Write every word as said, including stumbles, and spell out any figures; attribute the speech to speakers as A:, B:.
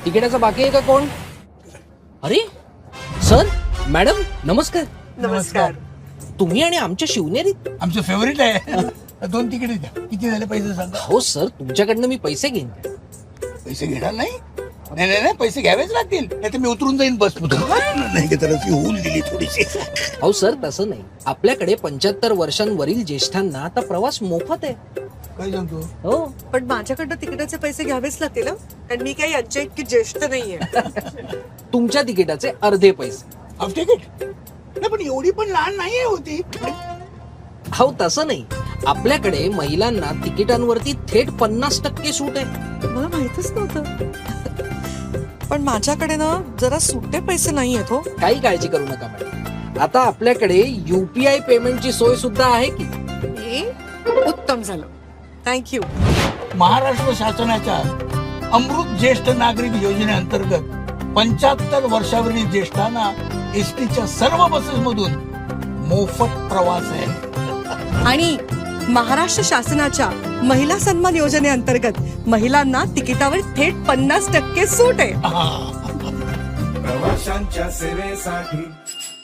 A: तिकिटाचा बाकी आहे का कोण? अरे सर मॅडम नमस्कार.
B: नमस्कार.
A: तुम्ही आणि आमच्या शिवनेरीत?
C: आमचं फेवरेट आहे. दोन तिकीट द्या. किती झाले पैसे सांगा.
A: हो सर तुमच्याकडनं मी पैसे घेईन.
C: पैसे घेणार नाही? नाही नाही नाही पैसे घ्यावेच लागतील, नाही तर मी उतरून जाईन बस नाही तर अशी होऊन दिली थोडीशी.
A: हो सर तसं नाही, आपल्याकडे पंच्याहत्तर वर्षांवरील ज्येष्ठांना आता प्रवास मोफत आहे.
C: काय सांगतो?
A: हो
B: पण माझ्याकडनं तिकिटाचे पैसे घ्यावेच लागतील, कारण मी काही यांच्या इतकी ज्येष्ठ नाहीये.
A: तुमच्या तिकिटाचे अर्धे पैसे.
C: हाफ तिकीट? नाही पण एवढी पण लहान नाहीये होती.
A: हो तसं नाही, आपल्याकडे महिलांना तिकिटांवरती थेट पन्नास टक्के सूट आहे.
B: मला माहितच नव्हतं. पण माझ्याकडे ना जरा सुट्टे पैसे नाही आहेत हो.
A: काही काळजी करू नका मॅडम, आता आपल्याकडे युपीआय पेमेंटची सोय सुद्धा आहे की.
B: हे उत्तम झालं, थँक्यू.
C: महाराष्ट्र शासनाच्या अमृत ज्येष्ठ नागरिक योजनेअंतर्गत पंच्याहत्तर वर्षावरील ज्येष्ठांना एसटीच्या सर्व बसेस मधून मोफत प्रवास आहे.
B: आणि महाराष्ट्र शासनाच्या महिला सन्मान योजनेअंतर्गत महिलांना तिकिटावर थेट पन्नास टक्के सूट आहे.
C: हा.
D: प्रवाशांच्या सेवेसाठी